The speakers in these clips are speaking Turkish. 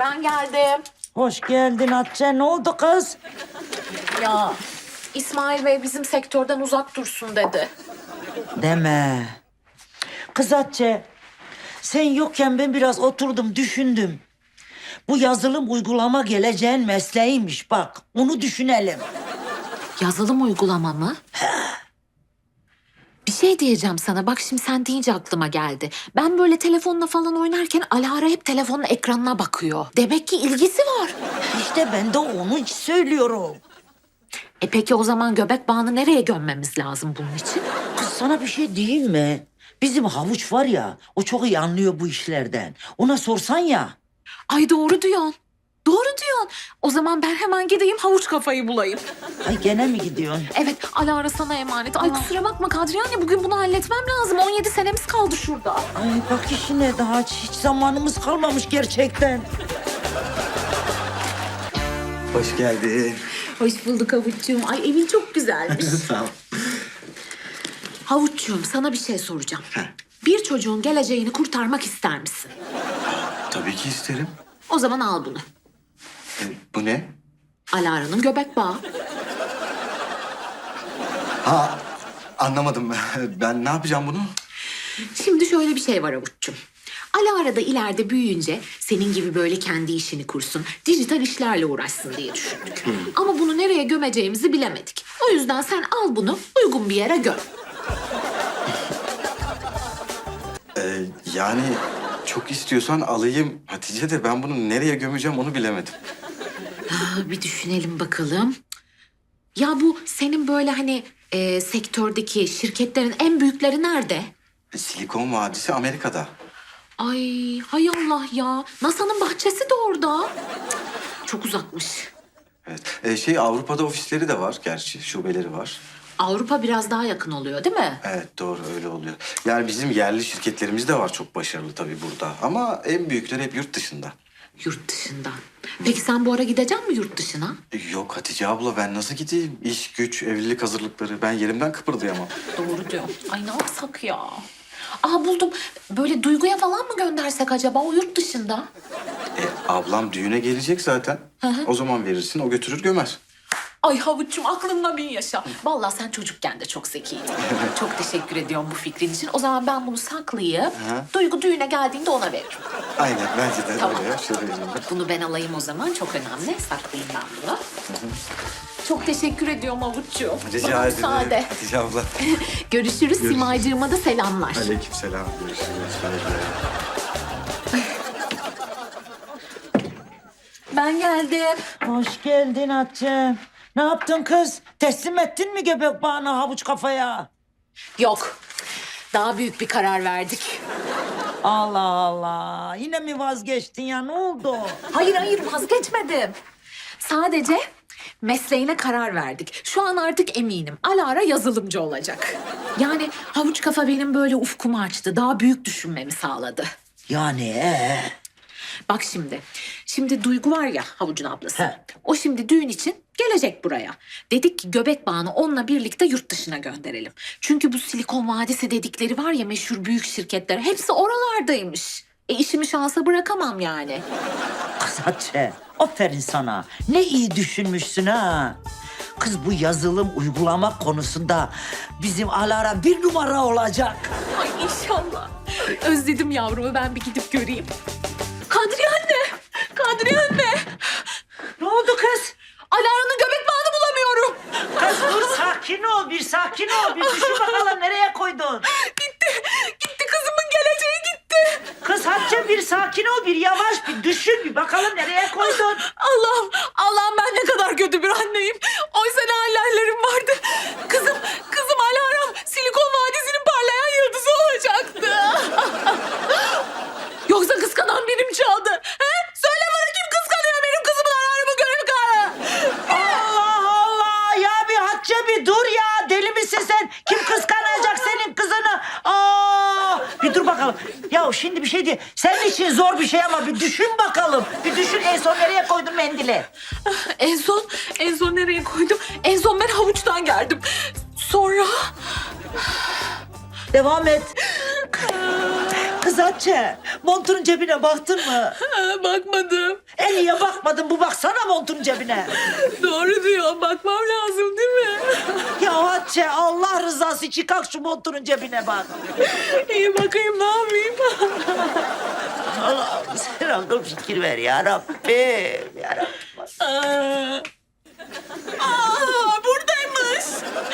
Ben geldim. Hoş geldin Hatice. Ne oldu kız? Ya İsmail Bey bizim sektörden uzak dursun dedi. Deme. Kız Hatice, sen yokken ben biraz oturdum, düşündüm. Bu yazılım uygulama geleceğin mesleğiymiş bak. Onu düşünelim. Yazılım uygulama mı? Bir şey diyeceğim sana. Bak şimdi sen deyince aklıma geldi. Ben böyle telefonla falan oynarken Alara hep telefonun ekranına bakıyor. Demek ki ilgisi var. İşte ben de onu söylüyorum. Peki o zaman göbek bağını nereye gömmemiz lazım bunun için? Kız sana bir şey diyeyim mi? Bizim havuç var ya, o çok iyi anlıyor bu işlerden. Ona sorsan ya. Ay doğru diyorsun. Doğru diyorsun. O zaman ben hemen gideyim havuç kafayı bulayım. Ay gene mi gidiyorsun? Evet Alara sana emanet. Ay kusura bakma Kadriye anne bugün bunu halletmem lazım. 17 senemiz kaldı şurada. Ay bak işine daha hiç zamanımız kalmamış gerçekten. Hoş geldin. Hoş bulduk Havuççuğum. Ay evin çok güzelmiş. Sağ ol. Havuççuğum sana bir şey soracağım. Bir çocuğun geleceğini kurtarmak ister misin? Tabii ki isterim. O zaman al bunu. Bu ne? Alara'nın göbek bağı. Ha, anlamadım. Ben ne yapacağım bunu? Şimdi şöyle bir şey var Havuççuğum. Alara da ileride büyüyünce senin gibi böyle kendi işini kursun, dijital işlerle uğraşsın diye düşündük. Ama bunu nereye gömeceğimizi bilemedik. O yüzden sen al bunu uygun bir yere göm. Yani çok istiyorsan alayım Hatice de ben bunu nereye gömeceğim onu bilemedim. Bir düşünelim bakalım. Ya bu senin böyle hani sektördeki şirketlerin en büyükleri nerede? Silikon Vadisi Amerika'da. Ay hay Allah ya. NASA'nın bahçesi de orada. Cık, çok uzakmış. Evet. Avrupa'da ofisleri de var gerçi. Şubeleri var. Avrupa biraz daha yakın oluyor değil mi? Evet doğru öyle oluyor. Yani bizim yerli şirketlerimiz de var çok başarılı tabii burada. Ama en büyükleri hep yurt dışında. Yurt dışından. Peki sen bu ara gidecek misin yurt dışına? Yok Hatice abla ben nasıl gideyim? İş, güç, evlilik hazırlıkları. Ben yerimden kıpırdayamam. Doğru diyor. Ay ne yapsak ya? Aa buldum. Böyle Duygu'ya falan mı göndersek acaba o yurt dışında? Ablam düğüne gelecek zaten. O zaman verirsin o götürür gömer. Ay Havuç'cum aklımla bin yaşa. Vallahi sen çocukken de çok zekiydin. Çok teşekkür ediyorum bu fikrin için. O zaman ben bunu saklayıp Duygu düğüne geldiğinde ona veririm. Aynen bence de Tamam. öyle ya. Şöyle vereyim ben. Bunu ben alayım o zaman. Çok önemli. Saklayayım ben bunu. Çok teşekkür ediyorum Havuç'cuğum. Rica Bana ederim müsaade. Hatice abla. Görüşürüz. Simaycığıma da selamlar. Aleykümselam. Görüşürüz. Ben geldim. Hoş geldin Hatice. Ne yaptın kız? Teslim ettin mi göbek bağını havuç kafaya? Yok. Daha büyük bir karar verdik. Allah Allah. Yine mi vazgeçtin ya? Ne oldu? Hayır vazgeçmedim. Sadece mesleğine karar verdik. Şu an artık eminim. Alara yazılımcı olacak. Yani havuç kafa benim böyle ufkumu açtı. Daha büyük düşünmemi sağladı. Yani Bak şimdi. Şimdi Duygu var ya havucun ablası. He. O şimdi düğün için gelecek buraya. Dedik ki göbek bağını onunla birlikte yurt dışına gönderelim. Çünkü bu Silikon Vadisi dedikleri var ya meşhur büyük şirketler. Hepsi oralardaymış. İşimi şansa bırakamam yani. kız Hatice. Aferin sana. Ne iyi düşünmüşsün ha. Kız bu yazılım uygulama konusunda bizim Alara bir numara olacak. Ay inşallah. Özledim yavrumu ben bir gidip göreyim. Kadriye anne! Kadriye anne! Ne oldu kız? Alara'nın göbek bağını bulamıyorum. Kız dur sakin ol bir sakin ol. Bir düşün bakalım nereye koydun? Gitti kızımın geleceği gitti. Kız Hatice bir sakin ol bir yavaş bir düşün bir bakalım nereye koydun? Allah'ım ben ne kadar kötü bir anneyim. Oysa ne hallerim vardı. Kızım Alara'm Silikon Vadisi'nin parlayan yıldızı olacaktı. Yoksa kıskanan birim çaldı. He? Söyle bana kim kıskanıyor benim kızımın Alara'mı görüp Allah Allah ya bir Hatice bir dur ya deli misin sen? Kim kıskanacak senin kızını? Bir dur bakalım. Ya şimdi bir şey diye senin için zor bir şey ama bir düşün bakalım. Bir düşün en son nereye koydun mendili? En son nereye koydum? En son ben havuçtan geldim. Sonra... Devam et. Kız Kız Hatice, montunun cebine baktın mı? Bakmadım. Niye bakmadın? Bu baksana montunun cebine. Doğru diyor. Bakmam lazım değil mi? Ya Hatice, Allah rızası için kalk şu montunun cebine bak. İyi bakayım, ne yapayım? Allah'ım sen akıl fikir ver ya Rabbim. Ya Rabbim. Buradaymış.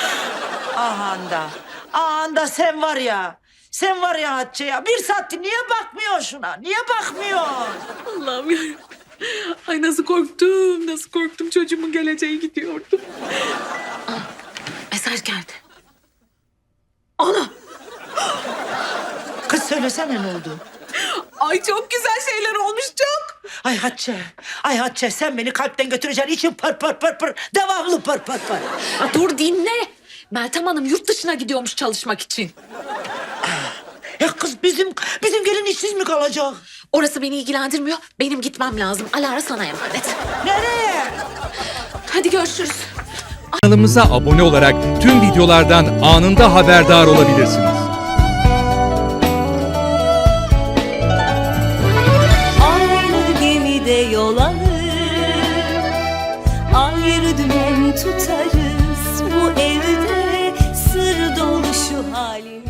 Ahanda sen var ya. Sen var ya Hatice ya. Bir saattir niye bakmıyorsun şuna? Niye bakmıyorsun? Allah'ım yarabbim. Ay nasıl korktum, nasıl korktum. Çocuğumun geleceği gidiyordum. Mesaj geldi. Ana! Kız söylesene ne oldu? Ay çok güzel şeyler olmuş, çok. Ay Hatice sen beni kalpten götüreceksin. İçim pır pır pır pır. Devamlı pır pır pır. Dur dinle. Meltem Hanım yurt dışına gidiyormuş çalışmak için. Ya kız bizim gelin işsiz mi kalacak? Orası beni ilgilendirmiyor. Benim gitmem lazım. Alara sana emanet. Nereye? Hadi görüşürüz. Kanalımıza abone olarak tüm videolardan anında haberdar olabilirsiniz. Aynı gemide yol alır, ayrı dümen tutarız. Bu evde sır dolu şu halimiz.